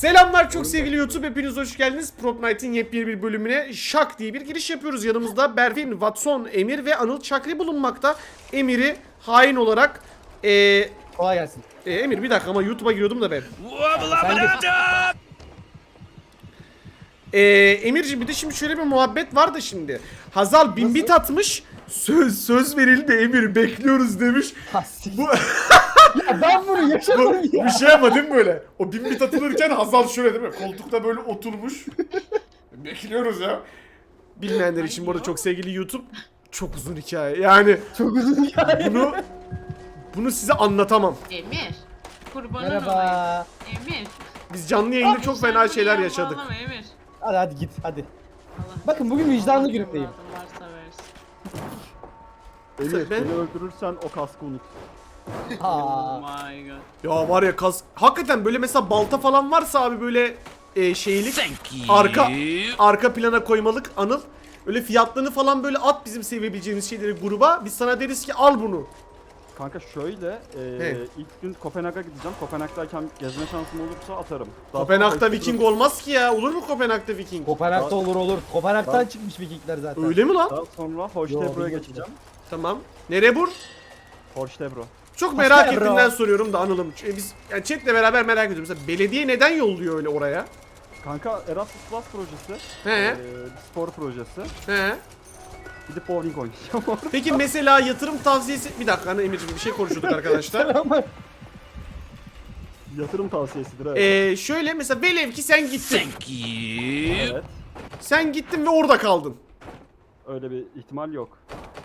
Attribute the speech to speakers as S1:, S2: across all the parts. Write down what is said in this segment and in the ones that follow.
S1: Selamlar çok sevgili YouTube, hepiniz hoş geldiniz. Prop Night'in yepyeni bir bölümüne şak diye bir giriş yapıyoruz. Yanımızda Berfin, Watson, Emir ve Anıl Çakri bulunmakta. Emir'i hain olarak
S2: Kolay gelsin.
S1: Emir bir dakika ama YouTube'a giriyordum da ben. Emirciğim bir de şimdi şöyle bir muhabbet var da şimdi. Hazal bin bit atmış. Söz verildi Emir, bekliyoruz demiş. Bu
S2: Ya ben bunu yaşadım ya.
S1: bir şey ama değil mi böyle? O bin bit atılırken Hazal şöyle değil mi? Koltukta böyle oturmuş. Bekliyoruz ya. Bilmeyenler için bu arada çok sevgili YouTube, çok uzun hikaye. Yani
S2: Çok uzun hikaye.
S1: bunu size anlatamam.
S3: Emir. Kurbanın
S2: Merhaba.
S3: olayım. Emir.
S1: Biz canlı yayında çok
S3: Sen
S1: fena
S3: bunu
S1: şeyler
S3: yapma,
S1: yaşadık.
S3: ağlama Emir.
S2: Hadi git hadi.
S3: Allah.
S2: Bakın bugün vicdanlı
S3: Allah
S2: günümdeyim.
S3: evladım varsa versin.
S4: Emir,
S1: Ben-
S4: beni öldürürsen o kaskı unut.
S2: Aa.
S3: Oh my god.
S1: Ya var ya hakikaten böyle mesela balta falan varsa abi böyle şeylik arka plana koymalık Anıl. Öyle fiyatlarını falan böyle at, bizim sevebileceğimiz şeyleri gruba. Biz sana deriz ki al bunu.
S4: Kanka şöyle,
S1: He.
S4: ilk gün Kopenhag'a gideceğim. Kopenhag'dayken gezme şansım olursa atarım. Daha
S1: Kopenhag'da
S4: sonra
S1: Viking olmaz ki ya. Olur mu Kopenhag'da Viking?
S2: Kopenhag'da olur. Kopenhag'dan çıkmış Vikingler zaten.
S1: Öyle mi lan?
S4: Daha sonra
S2: Yo,
S4: Hoştebro'ya
S2: bilmiyorum.
S4: geçeceğim.
S1: Tamam. Nereye bur?
S4: Hoştebro.
S1: Çok merak
S2: Hoşçakal bro.
S1: ettiğimden soruyorum da Anıl'ım. Biz yani chatle beraber merak ediyoruz. Mesela belediye neden yolluyor öyle oraya?
S4: Kanka Erasmus Plus projesi.
S1: He.
S4: Spor projesi.
S1: He.
S4: Gidip bowling oynayacağım orada.
S1: Peki mesela yatırım tavsiyesi... Bir dakika hani Emir'cim bir şey konuşuyorduk arkadaşlar.
S2: Ama
S4: Yatırım tavsiyesidir evet.
S1: Şöyle mesela velev ki sen gittin.
S4: Evet.
S1: Sen gittin ve orada kaldın.
S4: Öyle bir ihtimal yok.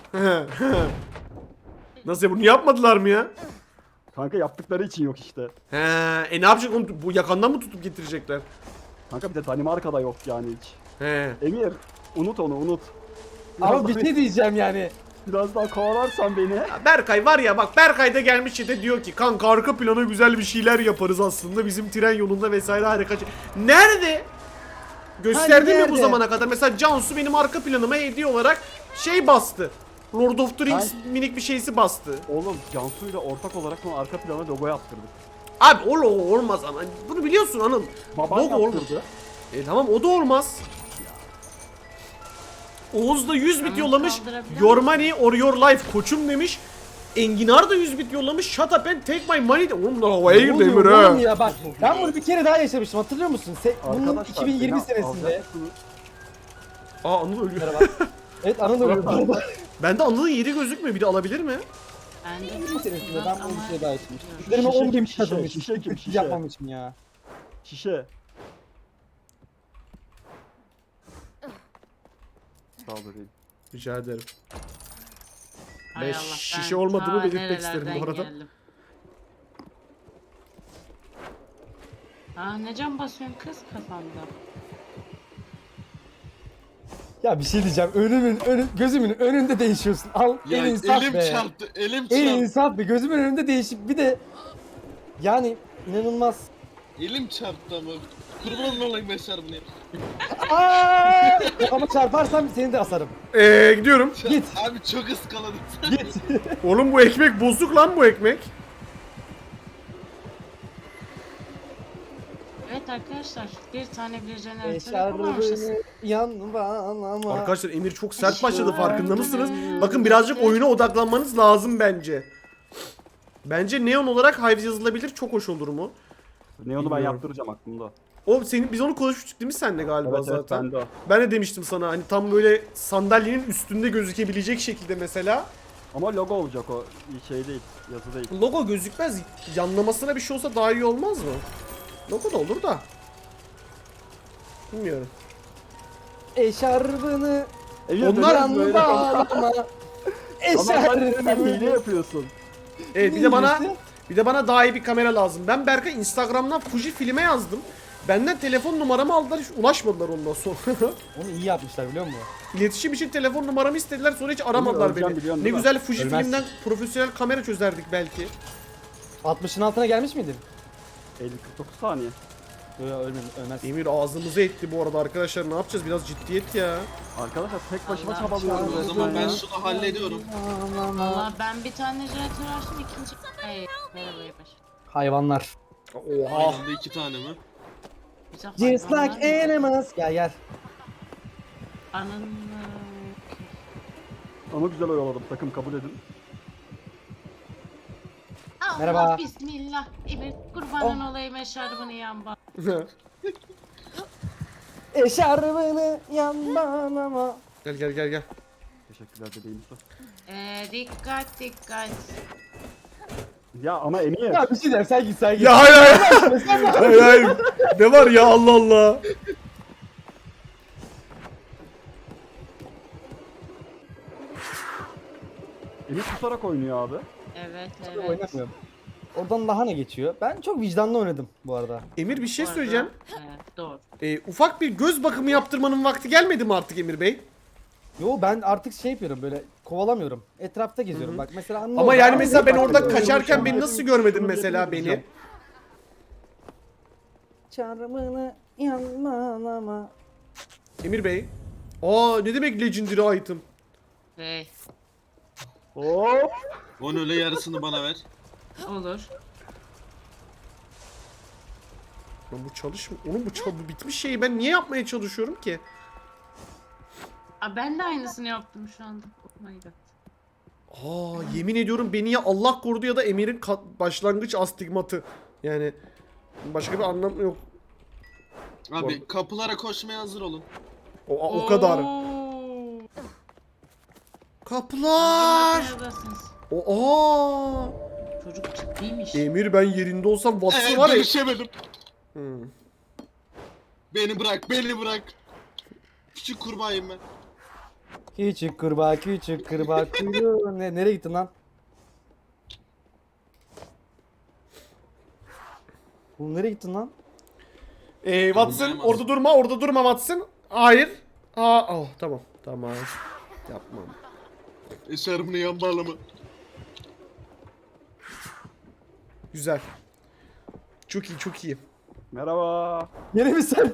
S1: Nasıl ya, bunu yapmadılar mı ya?
S4: Kanka yaptıkları için yok işte.
S1: He, ne yapacak onu, bu yakandan mı tutup getirecekler?
S4: Kanka bir de Danimarka'da yok yani hiç.
S1: He.
S4: Emir, unut onu unut.
S2: ama bir şey diyeceğim yani.
S4: Biraz daha kovalarsan beni.
S1: Ya Berkay var ya bak, Berkay da gelmiş çete diyor ki kanka arka plana güzel bir şeyler yaparız aslında bizim tren yolunda vesaire harika şey. Nerede? Gösterdi mi bu
S2: nerede?
S1: zamana kadar? Mesela Cansu benim arka planıma hediye olarak şey bastı. Lord of the Rings minik bir şeysi bastı.
S4: Oğlum Cansu'yla ortak olarak son arka plana logo yaptırdık.
S1: Abi o logo olmaz ama. Bunu biliyorsun Anıl.
S4: Baban
S1: Logo olmaz.
S4: yaptırdı.
S1: Tamam o da olmaz. Oğuz da 100 bit
S3: Ama
S1: yollamış.
S3: kaldırabilir
S1: Your
S3: misin?
S1: money or your life koçum demiş. Enginar da 100 bit yollamış. Shut up and take my money de. Oğlum bunlar havaya girdi Emir
S2: Oğlum
S1: ha.
S2: ya bak. Ben bunu bir kere daha yaşamıştım, hatırlıyor musun? Bunun
S4: Arkadaşlar
S2: 2020
S4: beni
S2: senesinde.
S4: alacaksınız.
S1: Aa Anıl ölüyor.
S2: Merhaba. Evet, Anıl ölüyor bu arada.
S1: Bende Anıl'ın yeri gözükmüyor. Bir de alabilir mi?
S3: Ben de
S2: 2020 senesinde ben bunu bir kere daha yaşamıştım.
S3: Şişe,
S2: Üzerime
S4: şişe
S2: 10
S4: kim,
S2: bin
S4: şişe,
S2: katılmışım.
S4: şişe kim, şişe?
S2: Yapmamışım ya.
S4: Şişe. Sağ ol bebeğim.
S1: Rica ederim.
S3: Hay
S1: Ben
S3: Allah,
S1: şişe olmadığımı
S3: ta
S1: belirtmek isterim bu
S3: nerelerden
S1: arada.
S3: geldim. Aa ne can basıyorsun kız kafamda.
S2: Ya bir şey diyeceğim. Gözümün önünde değişiyorsun. Al
S5: Ya
S2: el insaf
S5: elim
S2: be.
S5: çarptı, elim
S2: El
S5: çarptı.
S2: insaf be. Gözümün önünde değişip bir de yani inanılmaz.
S5: Elim çarptı ama. Kurban olayım Beşer bunu.
S2: Aa! Ama çarparsam seni de asarım.
S1: Gidiyorum.
S2: Git.
S5: Abi çok ıskaladım.
S2: Git.
S1: Oğlum bu ekmek bozuk lan, bu ekmek.
S3: Evet arkadaşlar bir tane bir jeneratör yapamamışız.
S2: Eşarbını yanma.
S1: Arkadaşlar Emir çok sert başladı, farkında mısınız? Bakın birazcık oyuna odaklanmanız lazım bence. Bence neon olarak Hives yazılabilir, çok hoş olur mu?
S4: Neon'u ben
S1: Bilmiyorum.
S4: yaptıracağım aklımda.
S1: Biz onu konuşmuştuk değil mi seninle galiba
S4: Evet evet
S1: zaten?
S4: bende o.
S1: Ben de demiştim sana hani tam böyle sandalyenin üstünde gözükebilecek şekilde mesela.
S4: Ama logo olacak o, şey değil, yazı değil.
S1: Logo gözükmez. Yanlamasına bir şey olsa daha iyi olmaz mı? Logo da olur da. Bilmiyorum.
S2: Eşarbını
S4: Emir,
S1: Onlar
S4: neden böyle
S2: bağlama.
S4: Ama sen hile
S2: Eşarbını.
S4: yapıyorsun.
S1: Evet bir de bana daha iyi bir kamera lazım. Ben Berkay Instagram'dan Fuji filme yazdım. Benden telefon numaramı aldılar, hiç ulaşmadılar ondan sonra.
S2: Onu iyi yapmışlar biliyor musun?
S1: İletişim için telefon numaramı istediler, sonra hiç aramadılar
S4: öleceğim
S1: beni.
S4: biliyorsun
S1: Ne
S4: değil mi?
S1: güzel Fuji
S2: Ölmezsin.
S1: filmden profesyonel kamera çözerdik belki.
S2: 60'ın altına gelmiş miydin?
S4: 50-49 saniye.
S2: Yok ölmez.
S1: Emir ağzımızı etti bu arada arkadaşlar, ne yapacağız, biraz ciddiyet ya.
S4: Arkadaşlar tek başıma
S3: Allah
S4: çabalıyorum.
S5: O zaman ben
S4: ya.
S5: şunu hallediyorum.
S3: Valla ben bir tane jeneratör açtım ikinci... Hey merhaba Yabaş.
S2: Hayvanlar.
S1: Oha.
S5: Aynı anda 2 tane mi?
S3: Bize
S2: Just
S3: hayvanlar
S2: like
S3: mı?
S2: animals. Gel gel.
S3: Anın...
S4: Ama güzel oyaladım, takım kabul edin.
S3: Allah
S2: Merhaba.
S3: bismillah. Evet kurbanın olayım eşarbını yan bak.
S2: Eşarbını yandan ama.
S1: Gel gel gel gel.
S4: Teşekkürler bebeğim Yusuf.
S3: Dikkat dikkat.
S4: Ya ama Emir.
S2: Ya bir şey der sen git sen git.
S1: Ya hayır hayır. Hayır hayır. Ne var ya Allah Allah.
S4: Emir tutarak oynuyor abi.
S3: Evet evet.
S2: Oynamıyorum. Oradan daha ne geçiyor? Ben çok vicdanlı oynadım bu arada.
S1: Emir bir şey
S3: Bu arada-
S1: söyleyeceğim.
S3: Evet doğru.
S1: Ufak bir göz bakımı yaptırmanın vakti gelmedi mi artık Emir Bey?
S2: Yo ben artık şey yapıyorum böyle kovalamıyorum. Etrafta geziyorum bak mesela anne
S1: Ama
S2: orada-
S1: yani
S2: Aa,
S1: mesela ben
S2: bak,
S1: orada
S2: bak,
S1: kaçarken
S2: bak,
S1: beni
S2: bak.
S1: nasıl görmedin mesela beni?
S2: Çarmını yandan ama.
S1: Emir Bey. Aa ne demek legendary item?
S3: Hey,
S4: Hop.
S5: Onun öyle yarısını bana ver.
S3: olur.
S1: Lan bu Onun bu bitmiş şeyi ben niye yapmaya çalışıyorum ki?
S3: Aa, ben de aynısını yaptım şu anda. Oh my god.
S1: Aa yemin ediyorum beni ya Allah korudu ya da Emir'in başlangıç astigmatı. Yani başka bir anlam yok.
S5: Abi kapılara koşmaya hazır olun.
S1: O kadar.
S3: Oo.
S1: Kapılar.
S3: Neredesiniz?
S1: Aa.
S3: Çocuk ciddiymiş.
S1: Emir ben yerinde olsam Watson var ya.
S5: Dönüşemedim.
S1: Hmm.
S5: Beni bırak, beni bırak. Küçük kurbağayım ben.
S2: Küçük kurbağa kuyruğu. Nereye gittin lan? Oğlum nereye gittin lan?
S1: Watson orada durma Watson. Hayır. Tamam yapmam.
S5: Eşarbını yan bağlama.
S1: Güzel. Çok iyi.
S4: Merhaba.
S2: Yere mi sen?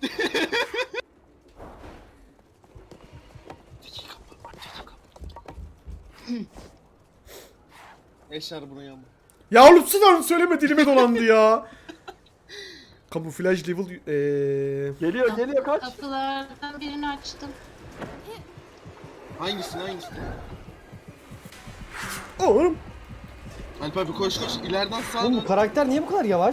S5: Eşarbını yan bağlama.
S1: Ya oğlum sudan söyleme dilime dolandı ya. Kamuflaj level
S4: Geliyor kaç.
S3: Kapılardan birini açtım.
S5: Hangisini?
S1: Oğlum.
S5: Alp abi koş ileriden sağa
S2: Oğlum
S5: dön.
S2: bu karakter niye bu kadar yavaş?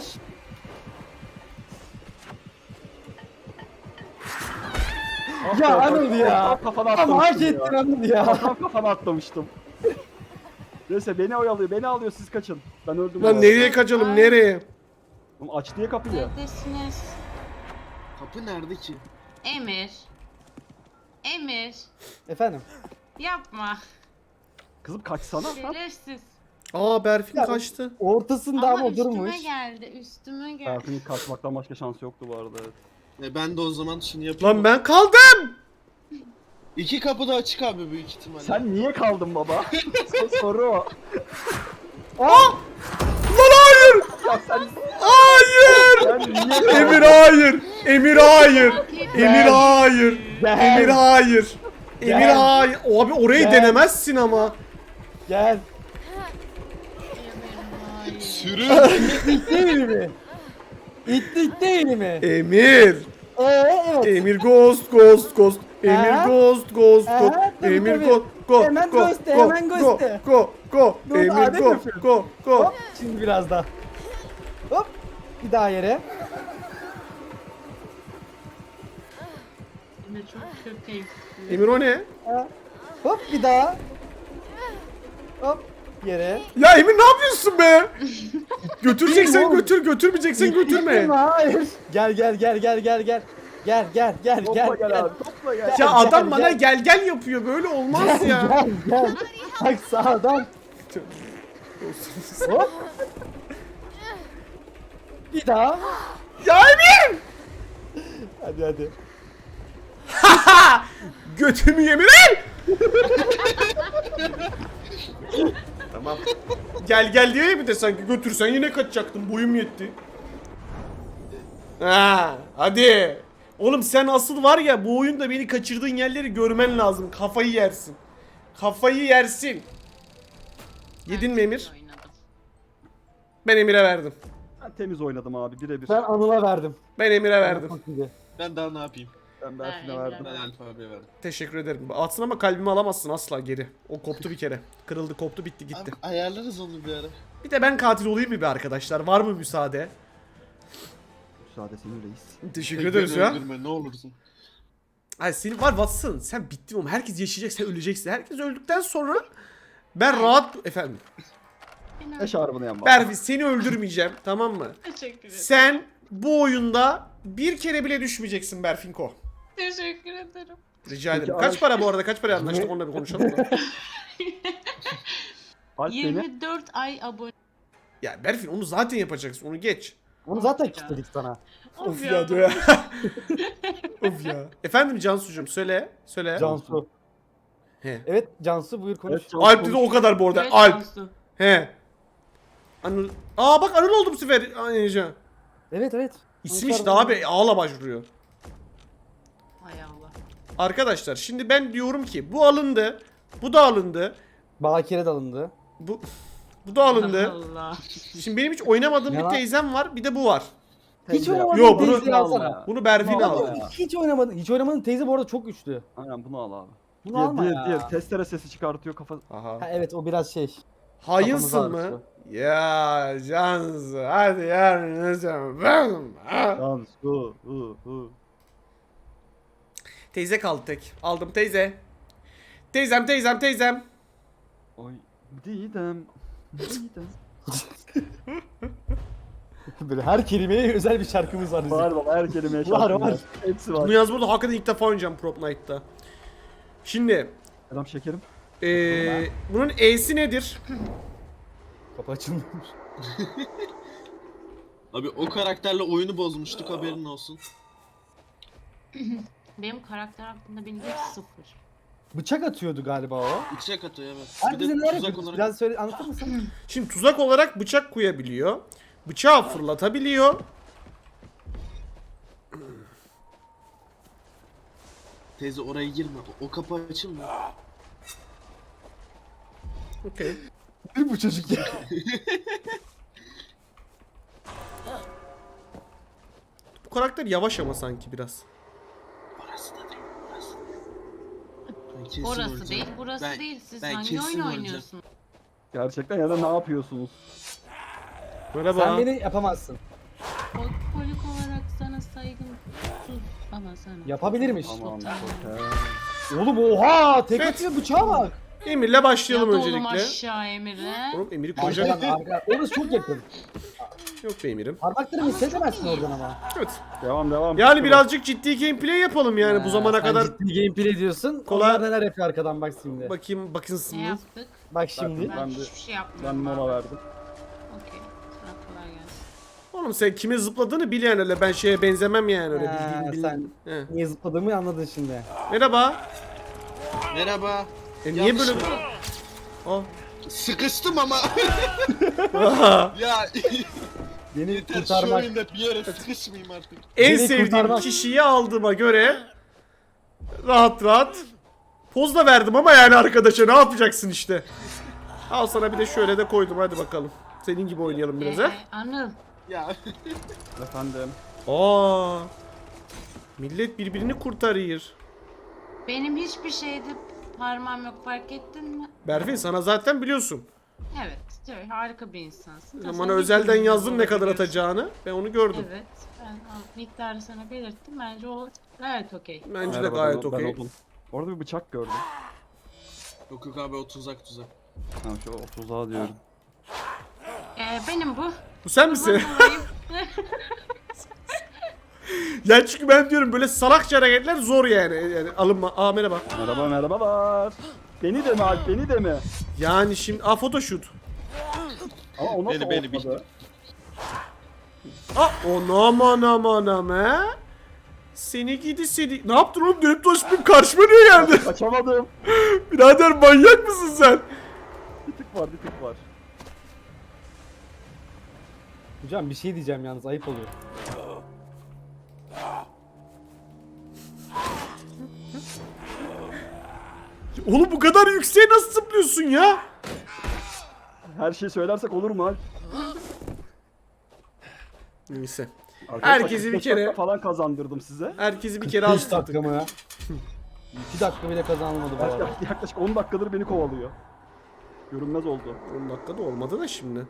S2: Ya Anıl ya.
S4: Kafana
S2: Ama hak
S4: atlamıştım
S2: ettin
S4: ya.
S2: Anıl ya.
S4: Kafana atlamıştım. Neyse beni oyalıyor, beni alıyor, siz kaçın. Ben öldüm.
S1: Lan
S4: ya.
S1: nereye kaçalım nereye?
S4: Oğlum aç diye kapıyı.
S3: Neredesiniz?
S5: Kapı nerede ki?
S3: Emir. Emir.
S2: Efendim.
S3: Yapma.
S4: Kızım kaçsana. Ha?
S3: Şerefsiz.
S1: Berfin
S2: Ya-
S1: kaçtı.
S2: Ortasında ama
S3: üstüme
S2: durmuş.
S3: geldi. Üstüme geldi.
S4: Berfin'in kaçmaktan başka şansı yoktu bu arada. Evet.
S5: Ben de o zaman şunu yapayım.
S1: Lan ben kaldım.
S5: 2 kapı da açık abi büyük ihtimalle.
S4: Sen niye kaldın baba? Soru o.
S1: Lan hayır.
S4: Ya sen,
S1: Hayır.
S4: sen niye kaldın?
S1: Emir hayır. Emir hayır. Emir hayır.
S2: Gel.
S1: Emir hayır. Emir
S2: Gel.
S1: hayır. Abi orayı
S2: Gel.
S1: denemezsin ama.
S2: Gel.
S5: Sürün.
S2: İtlik değil mi? İtlik değil mi?
S1: Emir.
S2: Evet.
S1: Emir ghost. Emir
S2: Ha?
S1: ghost.
S2: Tabii,
S1: Emir
S2: tabii.
S1: go.
S2: Hemen ghost'e, hemen ghost'e.
S1: Go.
S2: Dur,
S1: Emir
S2: Adem
S1: go.
S2: yapıyor.
S1: Go.
S2: Hop. Şimdi biraz daha. Hop. Bir daha yere.
S3: Emir çok kötü.
S1: Emir o ne?
S2: Ha. Hop bir daha. Hop. Yere.
S1: Ya Emir ne yapıyorsun be? Götüreceksen
S2: Oğlum.
S1: götür, götürmeyeceksen götürme.
S2: Hayır. Gel.
S4: Topla gel abi, topla gel.
S1: Ya adam
S2: Gel,
S1: bana
S2: gel.
S1: gel yapıyor. Böyle olmaz ya.
S2: Gel. Bak sağdan. Hop. Bir daha.
S1: Ya Emir!
S2: Hadi.
S1: Götümü yemin Tamam. Gel diyor ya bir de sanki götürsen yine kaçacaktın. Boyum yetti. Hadi. Oğlum sen asıl var ya bu oyunda beni kaçırdığın yerleri görmen lazım. Kafayı yersin. Kafayı yersin. Yedin mi Emir?
S3: Oynadım.
S1: Ben Emir'e verdim.
S4: temiz oynadım abi birebir.
S2: Ben Anıl'a verdim.
S1: Ben Emir'e verdim.
S2: Çok iyiydi.
S5: Ben daha ne yapayım?
S4: Ben Berfin'e
S3: Ben
S4: verdim.
S5: Ben Alp abiye verdim.
S1: Teşekkür ederim. Atsın ama kalbimi alamazsın asla geri. O koptu bir kere. Kırıldı, koptu, bitti, gitti.
S5: Abi ayarlarız onu bir ara.
S1: Bir de ben katil olayım mı bir arkadaşlar? Var mı müsaade?
S4: Müsaade senin reis.
S1: Teşekkür
S5: Beni
S1: ederiz ya.
S5: öldürme ne olursun.
S1: Ay senin var Watson. Sen bittin oğlum. Herkes yaşayacak, sen öleceksin. Herkes öldükten sonra ben rahat... Efendim.
S3: Beni
S4: Eşarbını yan bak.
S1: Berfi seni öldürmeyeceğim, tamam mı?
S3: Teşekkür ederim.
S1: Sen bu oyunda bir kere bile düşmeyeceksin Berfinko.
S3: Teşekkür ederim.
S1: Rica ederim.
S4: Peki,
S1: Kaç
S4: Alp-
S1: para bu arada? Kaç para anlaştık? Onunla bir konuşalım da.
S4: Alp beni.
S3: 24 ay abone.
S1: Ya Berfin onu zaten yapacaksın. Onu geç.
S2: Onu zaten kilitledik sana.
S1: Of ya diyor ya. Of ya. Efendim Cansucuğum söyle. Söyle.
S2: Cansu.
S1: He.
S2: Evet Cansu buyur konuş.
S4: Evet, Cansu
S1: Alp dedi
S4: konuş.
S1: o kadar bu arada.
S3: Evet,
S1: Alp.
S3: Cansu.
S1: He. Anıl. Aa bak Anıl oldu bu sefer. Aynıca.
S2: Evet.
S1: İsim işte abi ağla başvuruyor.
S3: Hay Allah.
S1: Arkadaşlar şimdi ben diyorum ki bu alındı. Bu da alındı.
S2: Bakire de alındı.
S1: Bu da alındı.
S3: Allah.
S1: Şimdi benim hiç oynamadığım
S2: Ne
S1: bir
S2: var?
S1: teyzem var. Bir de bu var.
S2: Hiç
S4: Teyze yap.
S2: oynamadın
S1: Yo, bunu-
S2: teyzeyi alsana.
S1: Bunu Berfin
S4: Bunu al
S1: aldı.
S4: ya.
S2: Hiç oynamadın teyze bu arada çok güçlü.
S4: Aynen bunu al abi.
S2: Bunu alma ya.
S4: Diğer testere sesi çıkartıyor kafa.
S1: Aha.
S2: Ha, evet o biraz şey.
S1: Hayınsın
S2: Kafamız
S1: mı?
S2: ağrısı.
S1: Ya Cansu hadi yarın ne zaman ben
S4: Cansu.
S1: Teyze kaldı tek. Aldım teyze. Teyzem.
S4: Oy. Didem.
S2: Böyle her kelimeye özel bir şarkımız var bizim.
S4: Var baba her kelimeye
S2: Var,
S4: şarkım
S2: var.
S4: Hepsi
S1: Bunu
S4: var.
S1: yaz burada hakikaten ilk defa oynayacağım Prop Night'ta. Şimdi
S4: Selam şekerim.
S1: bunun E'si nedir?
S2: Kapı açılmıyor.
S5: Abi o karakterle oyunu bozmuştuk haberin olsun.
S3: Benim karakter hakkında bilgim sıfır.
S2: Bıçak atıyordu galiba o.
S5: İçecek atıyor evet.
S2: Abi
S5: Bir
S2: bize
S5: de
S2: neler
S5: tuzak
S2: yapıyorsun?
S5: olarak.
S2: Biraz söyle anlatır mısın?
S1: Şimdi tuzak olarak bıçak koyabiliyor. Bıçağı fırlatabiliyor.
S5: Teyze oraya girme. O kapı açılmıyor.
S1: Okey.
S2: Bu çocuk ya.
S1: Bu karakter yavaş ama sanki biraz.
S5: Orası da değil. Orası. Ben kesin
S3: Orası
S5: öleceğim.
S3: değil, burası
S5: Ben-
S3: değil. Siz
S5: ben
S3: hangi
S5: kesin
S3: oyun
S5: öleceğim.
S3: oynuyorsunuz?
S4: Gerçekten ya da ne yapıyorsunuz?
S1: Merhaba.
S2: Sen beni yapamazsın.
S3: Alkolik olarak sana saygım sus ama sana.
S2: Yapabilirmiş.
S4: Tamam.
S3: Tamam.
S4: okey.
S2: Oğlum oha tek
S1: Evet.
S2: atıyor bıçağa bak.
S1: Emir'le başlayalım
S3: Yat oğlum
S1: öncelikle.
S3: aşağı Emir'e.
S1: Oğlum Emir'i koyacak.
S2: Arkadan arkadan. Orası çok yakın.
S1: Yok be Emir'im.
S2: Parmaklarımı hissedemezsin oradan ama.
S1: Evet.
S4: Devam.
S1: Yani birazcık ciddi gameplay yapalım yani bu zamana
S2: Sen
S1: kadar.
S2: ciddi gameplay diyorsun.
S1: Kolay-
S2: Onlar neler yapıyor arkadan bak şimdi.
S1: Bakayım
S3: Ne
S1: bakınsınız.
S3: yaptık?
S2: Bak şimdi.
S3: Ben,
S4: Ben de-
S3: hiçbir şey yapmadım.
S4: Ben mola verdim.
S3: Okey. Sana kolay gelsin.
S1: Oğlum sen kime zıpladığını bil yani öyle ben şeye benzemem yani öyle bildiğin
S2: sen
S1: He.
S2: niye zıpladığımı anladın şimdi.
S1: Merhaba.
S5: Merhaba.
S1: Niye
S5: Yanlış
S1: böyle...
S5: mı?
S1: Aa.
S5: Sıkıştım ama. Ya
S2: Beni
S5: yeter şu
S2: kurtarmak.
S5: oyunda bir yere sıkışmayayım artık.
S1: En
S2: Beni
S1: sevdiğim
S2: kurtarmak.
S1: kişiyi aldığıma göre rahat poz da verdim ama yani arkadaşa ne yapacaksın işte. Al sana bir de şöyle de koydum hadi bakalım. Senin gibi oynayalım biraz ha.
S3: Anıl.
S5: Ya
S4: Efendim.
S1: Aa. Millet birbirini kurtarıyor.
S3: Benim hiçbir şeyde parmağım yok fark ettin mi?
S1: Berfin sana zaten biliyorsun.
S3: Evet. Harika bir insansın.
S1: Bana
S3: Sen
S1: özelden
S3: bir
S1: yazdın ne kadar
S3: olabiliyorsun.
S1: atacağını. Ben onu gördüm.
S3: Evet. Ben miktarı sana belirttim. Bence o gayet okey.
S1: Bence de
S4: Merhaba,
S1: gayet
S4: ben
S1: okey.
S4: Odun. Orada bir bıçak gördüm.
S5: yok abi o tuzak.
S4: Ha şu 30'a diyorum.
S3: Benim bu.
S1: Bu sen misin?
S3: Ben olayım.
S1: Ya çünkü ben diyorum böyle salakça hareketler zor yani. Yani alınma. Aa merhaba.
S4: Merhabalar. Beni de mi Alp beni de mi?
S1: Yani şimdi photoshoot.
S4: Ama o nasıl
S5: Beni
S4: olmadı?
S1: Aa aman he. Seni gidi seni. Ne yaptın oğlum? Dönüp dolaşıp karşıma niye geldin?
S4: Kaçamadım.
S1: Birader manyak mısın sen?
S4: Bir tık var.
S2: Hocam bir şey diyeceğim yalnız ayıp oluyor.
S1: Oğlum bu kadar yükseğe nasıl zıplıyorsun ya?
S4: Her şeyi söylersek olur mu Alp?
S1: Neyse.
S4: Arkadaşlar,
S1: Herkesi bir
S4: 45
S1: kere-
S4: dakika falan kazandırdım size.
S1: Herkesi bir kere
S2: 5
S1: astırdık.
S2: dakika mı ya? 2 dakika bile kazanılmadı bu arada.
S4: Yaklaşık 10 dakikadır beni kovalıyor. Görünmez oldu.
S1: 10 dakikada olmadı da şimdi.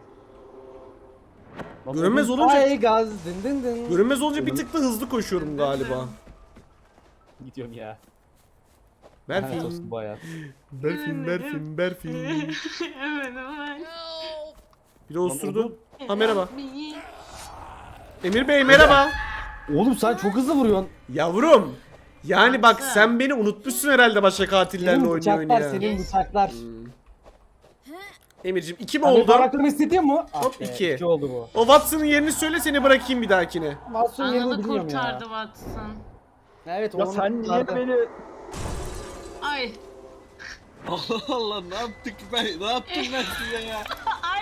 S4: Nasıl
S1: Görünmez
S4: oldu?
S1: olunca
S2: Ay gaz dın dın dın.
S1: görünmez olunca bir tık da hızlı koşuyorum galiba.
S2: Gidiyorum ya.
S1: Berfin.
S2: Lanet olsun bu hayat.
S1: Berfin.
S3: Evet evet.
S1: Biri osurdu. Ha merhaba.
S3: Bir-
S1: Emir Bey merhaba.
S2: Oğlum sen çok hızlı vuruyorsun.
S1: Yavrum. Yani bak
S3: Baksana.
S1: sen beni unutmuşsun herhalde başka katillerle
S2: Senin
S1: oynuyor
S2: bıçaklar,
S1: ya.
S2: senin bıçaklar.
S1: Emir'cim 2 mi
S2: Abi
S1: oldu?
S2: parmaklarımı istediğin mu?
S1: Hop,
S2: Ah be,
S1: 2.
S2: 2 oldu bu.
S1: O Watson'ın yerini söyle seni bırakayım bir dahakine.
S2: Masum yerini
S3: Analı
S2: bilmiyorum ya.
S3: kurtardı Watson.
S2: Evet
S4: Ya
S2: onu
S4: sen niye
S2: kurtardı.
S4: beni...
S3: Ay.
S5: Allah Allah ne yaptık ne yaptım ben size ya?
S3: Ay.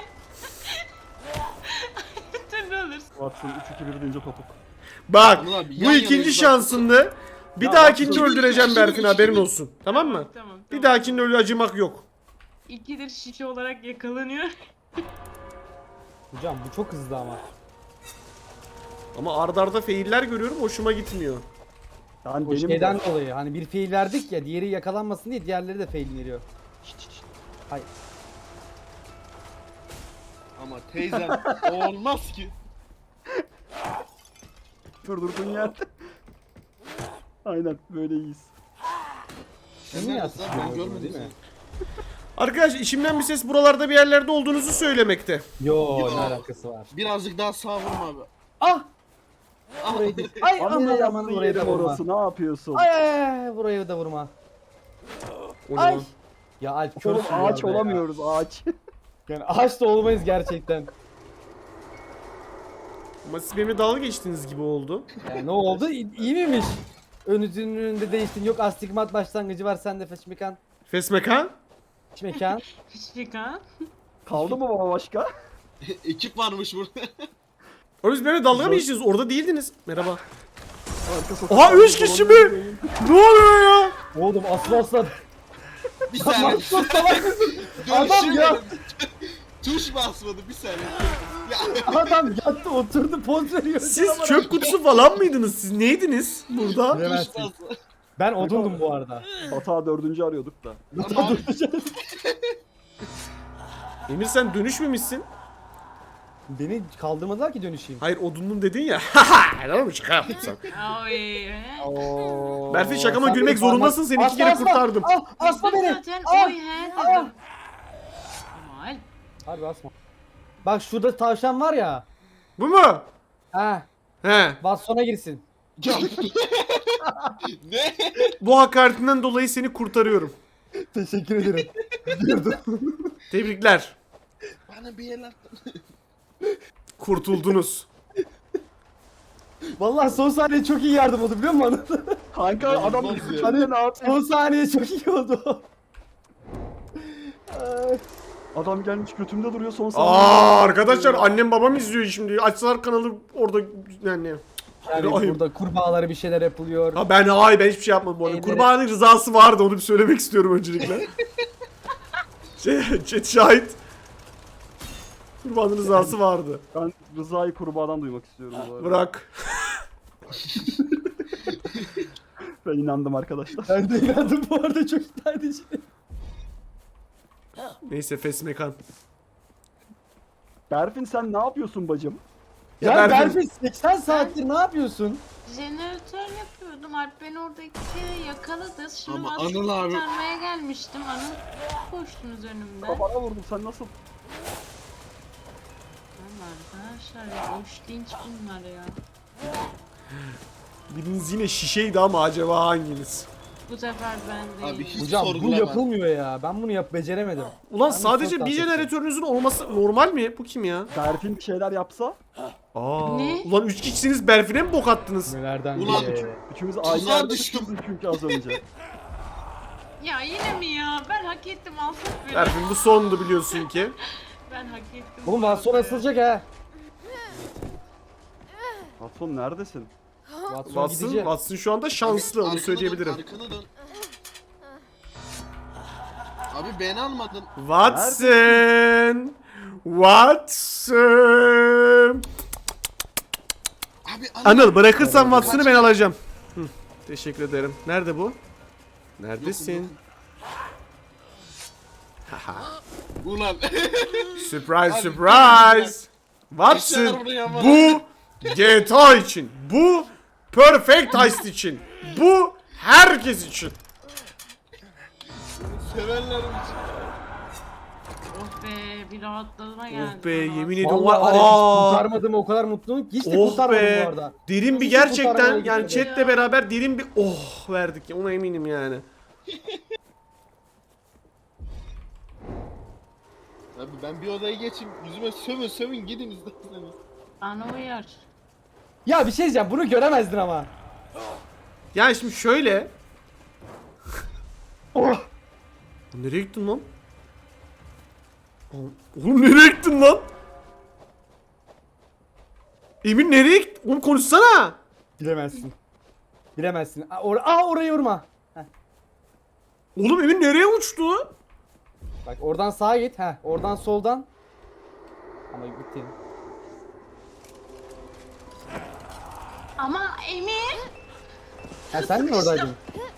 S3: Dur ne olursun.
S4: Watson 3-2-1 deyince topuk.
S1: Bak
S5: Anıl abi,
S1: bu
S5: yan
S1: ikinci
S5: yanayız bak.
S1: şansındı. Bir
S4: Ya
S1: dahakinde
S4: Watson-
S1: öldüreceğim Berfin haberin olsun. Tamam mı?
S3: Tamam.
S1: Bir dahakinde öyle acımak yok.
S3: İkidir şişe olarak yakalanıyor.
S2: Hocam bu çok hızlı ama.
S1: Ama ardarda arda failler görüyorum hoşuma gitmiyor.
S4: Ben
S2: O
S4: benim
S2: şeyden dolayı hani bir fail verdik ya diğeri yakalanmasın diye diğerleri de fail veriyor. Hay.
S5: Ama teyzem o olmaz ki.
S4: durdurduğun yerde. Aynen böyle iyiyiz.
S5: Sen
S2: Niye
S5: neredesin abi? Ben
S2: atıyorsun
S5: görmedim
S2: değil mi?
S5: seni.
S1: Arkadaş içimden bir ses buralarda bir yerlerde olduğunuzu söylemekte.
S2: Yo
S5: Yo.
S2: ne alakası var?
S5: Birazcık daha sağ vurma abi.
S2: Ah!
S5: Ah,
S2: Burayı değil. Ay
S4: Ama
S2: aman
S4: ne
S2: aman
S4: yaptın
S2: burayı da
S4: yerim
S2: vurma.
S4: orası, ne yapıyorsun?
S2: Ay ay ay burayı da vurma.
S1: O ne
S2: Ay.
S1: lan?
S2: Ya Alp
S4: Oğlum
S2: körsün
S4: ağaç
S2: ya.
S4: olamıyoruz ağaç.
S2: Yani ağaç da olmayız gerçekten.
S1: Ama siz benimle dalga geçtiğiniz gibi oldu.
S2: Yani ne oldu? İyi miymiş? Önünün önünde değiştin. Yok astigmat başlangıcı var sende feşmekan.
S1: Fesmekan?
S2: Feşmekan.
S3: Şişika.
S4: Kaldı mı baba başka?
S5: ekip varmış burada.
S1: O biz benimle dalga mı geçtiniz? Orada değildiniz. Merhaba.
S4: Arka sokak-
S1: Aha 3 kişi mi? Ne oluyor ya?
S2: Oğlum aslan.
S5: Bir saniye.
S2: Aslan salak mısın? Adam ya.
S5: Tuş basmadı bir saniye. Ya
S2: Adam yattı oturdu poz veriyor.
S1: Siz çöp kutusu falan mıydınız? Siz neydiniz burada?
S5: tuş
S2: Bilemezsin.
S5: basmadı.
S2: Ben odundum bu arada.
S4: Hata 4. arıyorduk da.
S5: Ama
S1: Emir sen dönüşmemişsin.
S2: Beni kaldırmadılar ki dönüşeyim.
S1: Hayır odundum dedin ya. Haha. Helal mi şaka yaptım sen.
S3: Ay.
S2: Oo.
S1: Berfin şakama
S2: Sen
S1: gülmek
S2: beni parmak-
S1: zorundasın. Seni 2 kere
S2: Asla,
S1: kurtardım.
S2: Asma beni.
S3: Zaten
S2: Ah!
S3: oy he
S2: Ah!
S3: dedim. Kemal.
S2: Harbi asma. Bak şurada tavşan var ya.
S1: Bu mu?
S2: Ha,
S1: He.
S2: Watson'a girsin.
S5: ne?
S1: Bu hakaretinden dolayı seni kurtarıyorum.
S2: Teşekkür ederim.
S1: Tebrikler.
S5: Bana bir el attın.
S1: Kurtuldunuz.
S2: Vallahi son saniye çok iyi yardım oldu biliyor musun?
S4: Kanka
S5: Olmaz
S4: adam
S5: ya.
S4: bizi çöpte ne yapıyor?
S2: Son saniye çok iyi oldu. Ay.
S4: Adam gelmiş götümde duruyor son
S1: Arkadaşlar annem babam izliyor şimdi. Açsalar kanalı orada yani.
S2: Yani
S1: Ayıp.
S2: burada kurbağalara bir şeyler yapılıyor.
S1: Ha ben hayır ben hiçbir şey yapmadım bu arada.
S2: Elleri-
S1: Kurbanın rızası vardı onu bir söylemek istiyorum öncelikle. Chat şahit. Kurbanın rızası vardı.
S4: Ben Rıza'yı kurbağadan duymak istiyorum bu arada.
S1: Bırak.
S4: Ben inandım arkadaşlar.
S2: Ben de inandım bu arada çok ikna edici.
S1: Neyse Fesmekan.
S4: Berfin sen ne yapıyorsun bacım?
S1: Ya
S2: Ya
S1: Berfin-
S2: Berfin 80 saattir ne yapıyorsun?
S3: Jeneratör yapıyordum. Alp beni orada iki kere yakaladı. Şimdi
S5: Ama
S3: Watson'ı
S5: Anıl abi-
S3: kurtarmaya gelmiştim. Anıl koştunuz önümden.
S4: Kafana vurdum sen nasıl?
S3: Aman arkadaşlar ya boş linç bunlar ya.
S1: Biriniz yine şişeydi ama acaba hanginiz?
S3: Bu sefer ben
S5: Abi
S3: değilim.
S5: hiç
S2: Hocam bu
S5: sorgulama.
S2: yapılmıyor ya. Ben bunu beceremedim.
S1: Ulan
S2: Ben
S1: sadece
S2: çok
S1: bir
S2: daha
S1: jeneratörünüzün olması normal mi? Bu kim ya?
S4: Berfin bir şeyler yapsa
S1: Aa.
S3: Ne?
S1: Ulan 3 kişisiniz Berfin'e mi bok attınız?
S2: Nelerden
S5: Ulan
S4: üçümüz
S5: Tuzağa
S4: aynı yerde
S5: düştüm.
S4: düştük çünkü az önce.
S3: Ya yine mi ya? Ben hak ettim alsak beni.
S1: Berfin bu sondu biliyorsun ki.
S3: Ben hak ettim.
S2: Oğlum Watson asılacak ha.
S4: Patron neredesin?
S2: Watson
S1: Watson,
S2: gidici.
S1: Watson şu anda şanslı onu
S5: Arkana
S1: söyleyebilirim.
S5: Dön, arkana dön. Abi beni almadın.
S1: Watson! Watson!
S5: Abi
S1: Anıl bırakırsan Watson'ı ben alacağım. Hı, teşekkür ederim. Nerede bu? Neredesin? Haha.
S5: Ulan.
S1: Surprise
S5: Abi,
S1: surprise. Watson
S5: Eşyalar buraya bana.
S1: bu GTA için. Bu Perfect Heist için. Bu herkes için.
S5: Sevenlerim için.
S3: Oh be bir rahatlama geldi.
S1: Oh be
S3: bana.
S1: yemin ediyorum.
S2: Vallahi var ya, hiç
S1: Aa.
S2: kurtarmadım o kadar mutluyum ki hiç de
S1: Oh
S2: kurtarmadım bu
S1: be.
S2: arada.
S1: Derin bir
S2: Hiç
S1: gerçekten
S2: kurtarmaya
S1: yani
S2: gitmedi.
S1: chatle beraber derin bir oh verdik ya ona eminim yani.
S5: Abi ben bir odaya geçeyim. Yüzüme sövün gidin isterseniz.
S3: Bana uyar.
S2: Ya bir şey diyeceğim, bunu göremezdin ama.
S1: Yani şimdi şöyle.
S2: Oh.
S1: Nereye gittin lan? Oğlum nereye gittin lan? Emin nereye gittin? Oğlum konuşsana.
S2: Bilemezsin. Bilemezsin. Orayı vurma. Heh.
S1: Oğlum Emin nereye uçtu?
S2: Bak oradan sağa git. Heh. Oradan soldan. Ama gitti.
S3: Ama Emir.
S2: Ha sen mi oradaydın?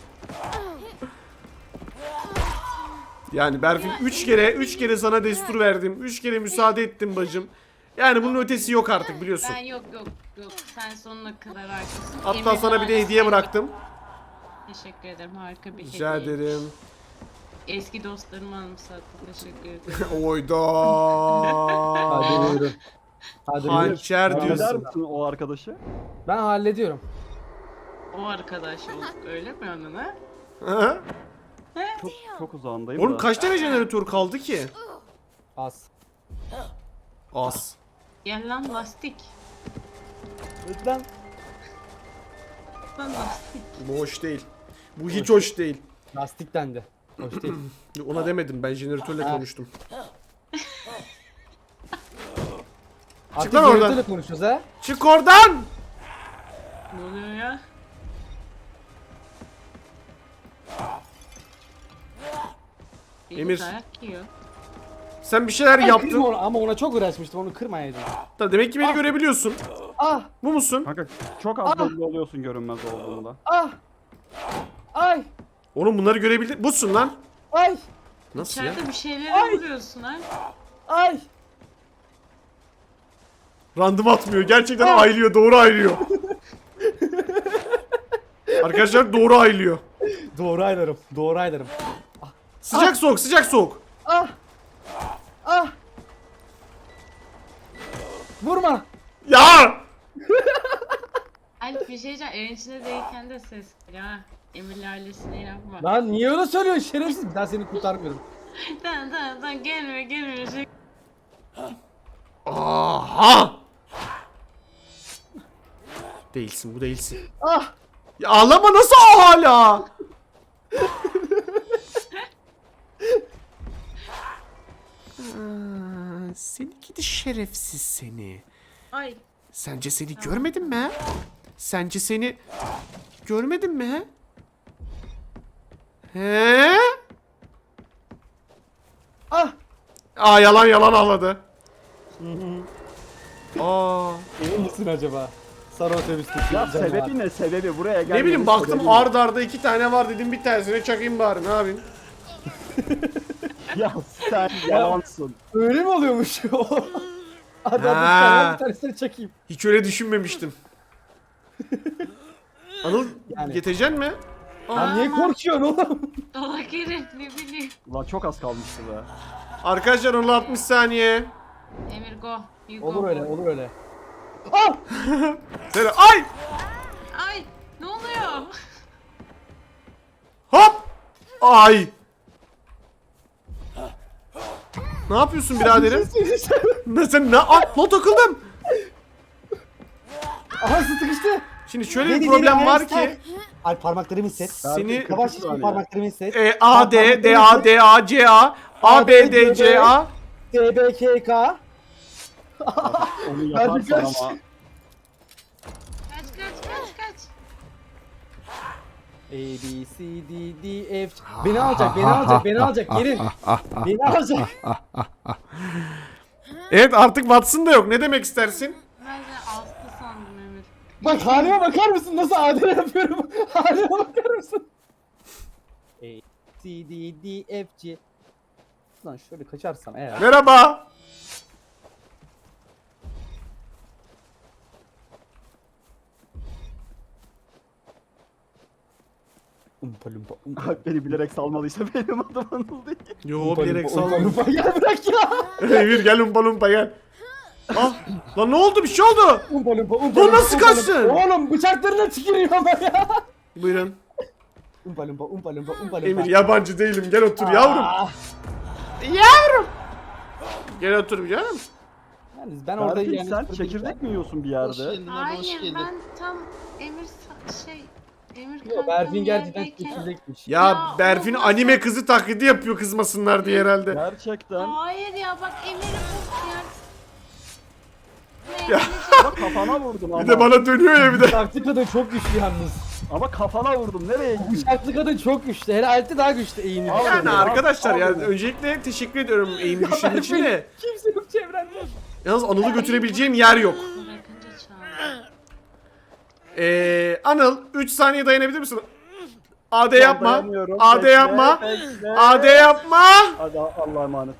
S1: Yani Berfin 3 kere sana destur verdim. 3 kere müsaade ettim bacım. Yani bunun ötesi yok artık biliyorsun.
S3: Ben yok. Sen sonuna kadar haklısın.
S1: Hatta
S3: Emir
S1: sana bir de
S3: hala
S1: hediye
S3: sen-
S1: bıraktım.
S3: Teşekkür ederim. Harika bir
S1: Rica
S3: hediye.
S1: ederim.
S3: Eski dostlarımı anımsattı. Teşekkür ederim.
S1: Oyda.
S2: Hadi yürü. Hadi yürü.
S1: Hançer
S2: Tamam.
S1: diyorsun.
S4: Halleder misin o arkadaşı?
S2: Ben hallediyorum.
S3: O arkadaş olduk öyle mi onun ha?
S1: Hı?
S4: Çok uzağındayım
S1: Oğlum
S4: da.
S1: kaç tane jeneratör kaldı ki?
S2: Az.
S1: Az.
S3: Gel lan lastik.
S2: Lütfen.
S3: Lan lastik.
S1: Bu hoş değil. Bu hiç hoş değil.
S2: Lastik dendi. Hoş değil.
S1: Ona demedim ben jeneratörle
S2: Ha.
S1: konuştum.
S2: Artık
S1: lan oradan.
S2: jeneratörle konuşuyoruz ha.
S1: Çık oradan!
S3: Ne oluyor ya?
S1: Emir.
S3: Dayak yiyor.
S1: Sen bir şeyler
S2: Kırma
S1: yaptın.
S2: onu, ama ona çok uğraşmıştım, onu kırmayaydım.
S1: Da demek ki beni görebiliyorsun.
S2: Ah!
S1: Bu musun?
S4: Kanka çok az belli oluyorsun görünmez olduğunda.
S2: Ah! Ay!
S1: Oğlum bunları görebildi. Busun lan.
S2: Ay!
S1: Nasıl ya?
S3: İçeride bir şeylere vuruyorsun ha.
S2: Ay!
S1: Random atmıyor. Gerçekten ayrılıyor. Doğru ayrılıyor. Arkadaşlar doğru ayrılıyor.
S2: Doğru aylarım. Doğru aylarım.
S1: Sıcak soğuk, sıcak soğuk.
S2: Ah! Ah! Vurma!
S1: Ya!
S3: Alp bir şey diyeceğim. Evin içinde değilken de ses geliyor ha. Emir'le ailesine yapma.
S2: Lan niye öyle söylüyorsun şerefsiz? Ben seni kurtarmıyorum.
S3: Tamam gelme. Şey-
S1: Aha! Değilsin, bu değilsin.
S2: Ah!
S1: Ya ağlama nasıl hala? Seni gidi şerefsiz seni.
S3: Ay.
S1: Sence seni görmedim mi ha? Sence seni görmedim mi ha? He?
S2: Ah!
S1: Aa yalan ağladı. Aa.
S2: Emin misin acaba? Sarı otobüsteki
S4: Ya
S2: canavar.
S4: sebebi ne sebebi buraya gel.
S1: Ne bileyim baktım ard arda 2 tane var dedim bir tanesine çakayım bari ne yapayım?
S4: Ya sen yalansın.
S2: Öyle mi oluyormuş? Hadi
S1: Ha.
S2: bir tanesini çekeyim.
S1: Hiç öyle düşünmemiştim. Anıl
S2: Yani.
S1: getireceksin mi?
S2: Lan niye korkuyorsun oğlum?
S3: Dolak herif ne bileyim.
S4: Ulan çok az kalmıştı be.
S1: Arkadaşlar Anıl 60 saniye.
S3: Emir go. You go.
S2: Olur öyle,
S3: boy.
S2: olur öyle. Ah!
S1: Seni ay!
S3: Ay ne oluyor?
S1: Hop! Ay! Ne yapıyorsun biraderim? Ne sen ne? Ay, lan takıldım.
S2: Aha sıkıştı.
S1: Şimdi şöyle bir problem var ki
S2: Ay parmaklarımı hisset.
S1: seni
S2: Yavaş
S4: saniye.
S2: parmaklarımı hisset.
S1: A D D A D A C A A B D C A
S2: TBKK.
S4: Onu yaparsan
S2: kaç.
S4: ama.
S3: Kaç.
S2: A, B, C, D, D, F. Beni alacak. Gelin. Beni alacak.
S1: Evet artık Watson da yok. Ne demek istersin?
S3: Ben de astı sandım Emir.
S2: Bak halime bakar mısın? Nasıl adil yapıyorum? Halime bakar mısın? A, C, D, D, F, G. Lan şöyle kaçarsam eğer.
S1: Merhaba.
S2: Umpa lumpa umpa.
S4: Bak beni bilerek salmalıysa benim adım Anıl değil.
S1: Yo
S2: Umpa
S1: bilerek
S2: lumpa, umpa
S1: sal.
S2: lumpa. Gel bırak ya.
S1: Emir gel umpa lumpa gel. Ah lan ne oldu bir şey oldu.
S2: Umpa lumpa umpa
S1: Lan
S2: lumpa,
S1: nasıl
S2: umpa lumpa.
S1: kaçtın?
S2: Oğlum bıçaklarına tükürüyorlar ya.
S1: Buyurun.
S2: Umpa lumpa umpa lumpa umpa lumpa.
S1: Emir yabancı değilim gel otur yavrum.
S2: Ah.
S1: Yavrum. Gel otur canım.
S2: Yalnız ben orada
S4: Berfin
S2: yani.
S4: sen çekirdek mi yiyorsun bir
S5: Hoş
S4: yerde?
S5: geldin abi, hoş
S3: Hayır
S5: geldin.
S3: ben tam Emir
S2: Yo,
S3: kankamın
S2: Berfin gerçekten
S3: yerdeyken-
S2: çekirdekmiş.
S1: Ya
S3: Ya,
S1: Berfin
S3: olmaz.
S1: anime kızı taklidi yapıyor kızmasınlar diye herhalde.
S4: Gerçekten.
S3: Hayır ya bak Emir'i bu yer.
S1: Ya.
S4: Ama kafana vurdum ama.
S1: Bir de bana dönüyor ya bir de.
S2: Bıçaklı kadın çok güçlü yalnız.
S4: Ama kafana vurdum. Nereye gittin?
S2: Bıçaklı kadın çok güçlü. Hele Alp'te daha güçlü eğimli.
S4: Abi,
S1: Yani arkadaşlar
S4: abi.
S1: yani öncelikle teşekkür ediyorum eğim düşündüğün için de.
S2: Kimse yok çevrende.
S1: Yalnız Anıl'ı götürebileceğim yer yok.
S3: Bırakınca çağır.
S1: Anıl 3 saniye dayanabilir misin? AD
S4: Ben
S1: yapma.
S4: dayanıyorum.
S1: AD
S4: Bekle,
S1: yapma.
S4: bekle.
S1: AD yapma.
S4: Hadi Allah'a emanet.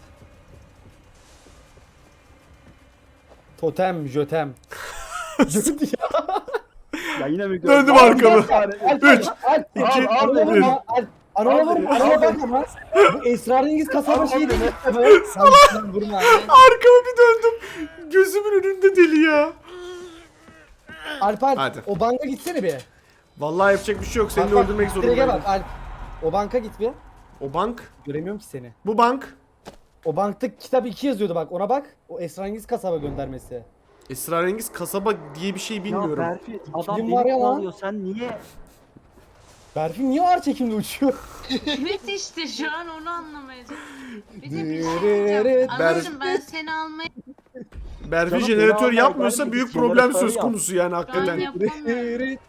S2: Totem, jötem. Jöt ya.
S4: Ya yine mi
S1: Döndüm
S4: Al,
S1: arkamı.
S4: al,
S1: 3,
S2: Alp,
S1: 2,
S2: Alp,
S4: al,
S2: Anadolu
S1: bir.
S2: vurma, Alp. Anadolu
S4: Al,
S2: vurma,
S4: al,
S2: Anadolu
S4: al.
S2: bak ama. Bu esrarengiz kasaba
S4: Al,
S2: şey
S4: al
S2: değil mi?
S4: beni.
S2: Sen vurma.
S1: Arkamı bir döndüm. Gözümün önünde deli ya.
S2: Alp Alp,
S1: Hadi.
S2: o banka gitsene bir.
S1: Vallahi yapacak bir şey yok. Seni
S2: Bak, bak,
S1: öldürmek
S2: direkt
S1: zorundayım.
S2: bak Alp. O banka git bir.
S1: O bank.
S2: Göremiyorum ki seni.
S1: Bu bank.
S2: O bankta kitap 2 yazıyordu bak ona bak. O esrarengiz kasaba göndermesi.
S1: Esrarengiz kasaba diye bir şey
S4: Ya
S1: bilmiyorum.
S4: Berfin adam
S2: Kim var
S4: beni
S2: ya lan?
S4: kovalıyor. Sen niye?
S2: Berfin niye ağır çekimde uçuyor?
S3: Evet işte şu an onu anlamaya çalışıyorum. Bir de bir şey
S2: Dırırırı.
S3: diyeceğim. Anacığım ben seni almaya
S1: Berfin
S4: Canım,
S1: jeneratör
S4: beni
S1: yapmıyorsa
S4: almaya
S1: büyük
S4: gelmedik,
S1: problem
S4: jeneratör
S1: söz
S4: yap.
S1: konusu yani
S3: şu an
S1: hakikaten.
S3: yapamıyorum.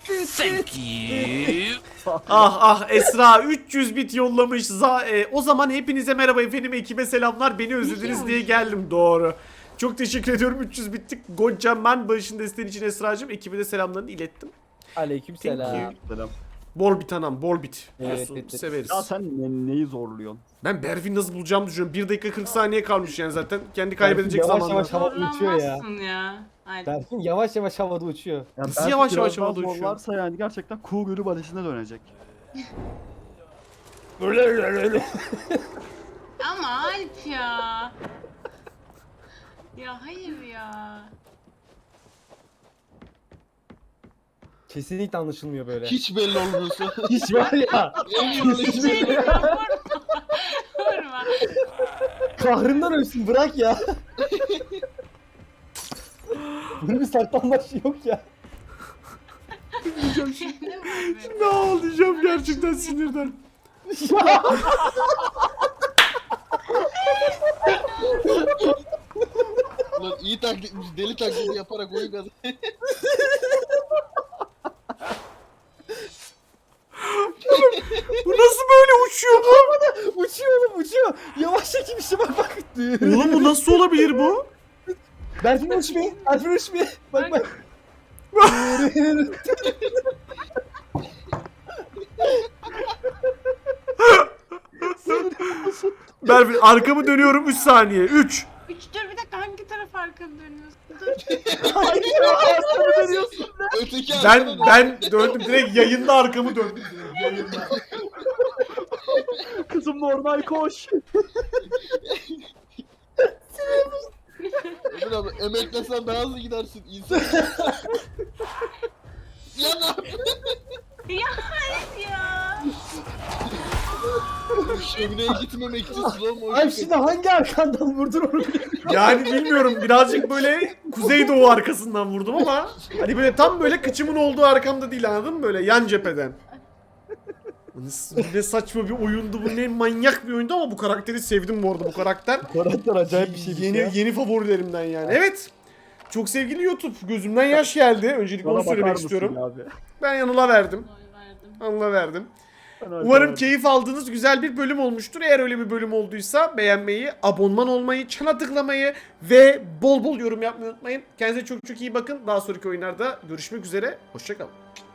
S1: Ah Esra 300 bit yollamış. O zaman hepinize merhaba efendim, ekibe selamlar. Beni özlediniz diye geldim, doğru. Çok teşekkür ediyorum 300 bitlik kocaman bağışın desteğin için Esra'cığım. Ekibe de selamlarını ilettim.
S2: Aleykümselam.
S1: Thank
S4: Selam.
S1: Bol bit anam, bol bit.
S2: Evet,
S1: Biliyorsun,
S2: evet, evet.
S1: severiz.
S4: Ya sen neyi zorluyorsun?
S1: Ben Berfin nasıl bulacağımı düşünüyorum. 1 dakika 40 saniye kalmış yani zaten. Kendi kaybedecek
S2: yavaş
S1: zamanda.
S2: yavaş havada uçuyor ya.
S3: Zorlanmazsın ya. Haydi.
S2: Berfin yavaş yavaş havada uçuyor.
S4: Ya
S1: Nasıl
S4: Berfin
S1: yavaş
S4: biraz
S1: yavaş
S4: daha
S1: havada uçuyor?
S4: zorlarsa yani gerçekten kuğu gölü balesine dönecek.
S3: Ama Alp ya. Ya hayır ya.
S2: Kesinlikle anlaşılmıyor böyle.
S5: Hiç belli olmuyorsa.
S2: Hiç var ya.
S5: Hiç belli.
S3: Vurma.
S2: Kahrından ölsün bırak ya. Bunun bir saklanmaç yok ya.
S3: Ne var be?
S1: Ne ağlayacağım gerçekten sinirden.
S5: Lan iyi taklitmiş. Deli taklidi yaparak oyun kazan.
S1: Bu nasıl böyle uçuyor bu?
S2: Uçuyor oğlum uçuyor. Yavaş çekim işte bak bak.
S1: Oğlum bu nasıl olabilir bu?
S2: Berfin uçmuyor. Berfin uçmuyor. Bak bak.
S1: Berfin arkamı dönüyorum 3 saniye. 3.
S3: Dur bir dakika hangi taraf arkanı dönüyorsun? Dur.
S5: Öteki
S1: Ben döndüm direkt yayında arkamı döndüm. Yayında.
S4: Kızım normal koş.
S5: Emir abi emeklesen daha hızlı gidersin. İnsan. Ya ne yapıyorsun?
S3: Ya hayır ya.
S5: Şömineye gitmemek için slow motion.
S2: Ay şimdi hangi arkandan vurdun onu?
S1: Yani bilmiyorum, birazcık böyle kuzeydoğu arkasından vurdum ama hani böyle tam böyle kıçımın olduğu arkamda değil, anladın mı, böyle yan cepheden. Ne saçma bir oyundu bu, ne manyak bir oyundu ama bu karakteri sevdim bu arada, bu karakter.
S2: Karakter acayip bir şey.
S1: Yeni favorilerimden yani. Evet. Çok sevgili YouTube, gözümden yaş geldi. Öncelikle onu
S4: Bana bakar
S1: söylemek
S4: mısın
S1: istiyorum.
S4: abi?
S1: Ben Yanıl'a verdim.
S3: Oy verdim.
S1: Anıl'a verdim. Umarım keyif aldığınız güzel bir bölüm olmuştur. Eğer öyle bir bölüm olduysa beğenmeyi, abonman olmayı, çana tıklamayı ve bol bol yorum yapmayı unutmayın. Kendinize çok çok iyi bakın. Daha sonraki oyunlarda görüşmek üzere. Hoşça kalın.